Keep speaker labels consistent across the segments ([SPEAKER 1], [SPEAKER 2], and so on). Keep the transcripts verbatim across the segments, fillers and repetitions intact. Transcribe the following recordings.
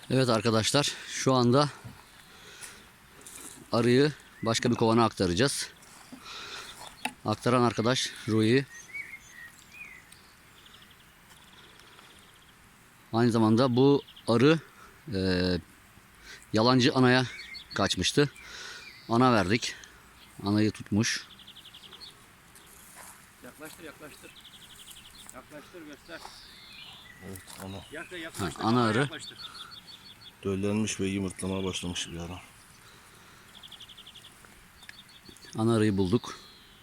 [SPEAKER 1] Evet arkadaşlar, şu anda arıyı başka bir kovana aktaracağız. Aktaran arkadaş Rui. Aynı zamanda bu arı e, yalancı anaya kaçmıştı. Ana verdik. Anayı tutmuş.
[SPEAKER 2] Yaklaştır yaklaştır. Yaklaştır göster.
[SPEAKER 3] Evet, ana.
[SPEAKER 2] Yakla yaklaştır.
[SPEAKER 1] Ha, ana arı.
[SPEAKER 2] Yaklaştır.
[SPEAKER 3] Döllenmiş ve yumurtlamaya başlamış bir ara.
[SPEAKER 1] Ana arıyı bulduk.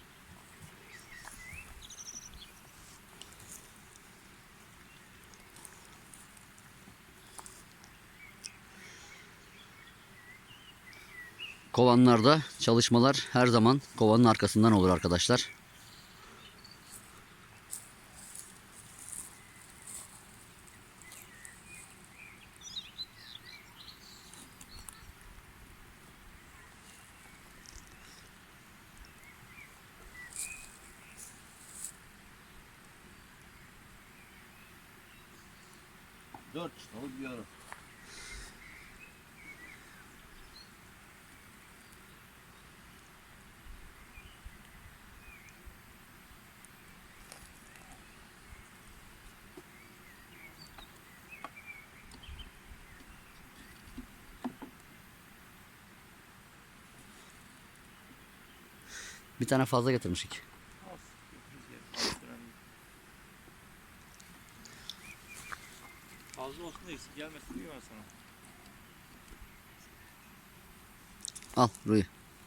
[SPEAKER 1] Kovanlarda çalışmalar her zaman kovanın arkasından olur arkadaşlar.
[SPEAKER 3] Dört çıtalı bir ara.
[SPEAKER 1] Bir tane fazla getirmişik.
[SPEAKER 2] Fazla olsun da eksik gelmesin diyor ben sana.
[SPEAKER 1] Al Rui.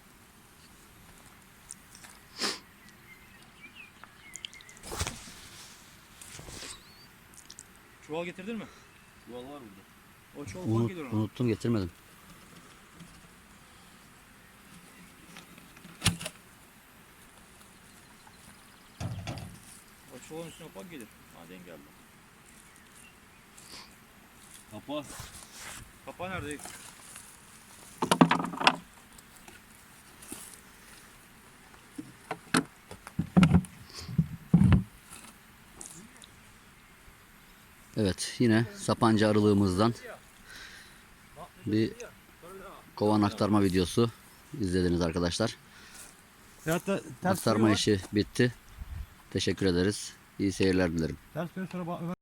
[SPEAKER 2] Çuval getirdin mi?
[SPEAKER 3] Çuval var burada.
[SPEAKER 2] O çuval
[SPEAKER 1] Unut,
[SPEAKER 2] ufak gelir ona.
[SPEAKER 1] unuttum, getirmedim.
[SPEAKER 2] O çuvalın üstüne ufak gelir. Hadi engelli.
[SPEAKER 3] Kapa.
[SPEAKER 2] Kapağı nerede?
[SPEAKER 1] Evet, yine Sapanca arılığımızdan bir kovan aktarma videosu izlediniz arkadaşlar.
[SPEAKER 2] Hatta
[SPEAKER 1] Aktarma işi bitti. Teşekkür ederiz. İyi seyirler dilerim.
[SPEAKER 2] Ters sonra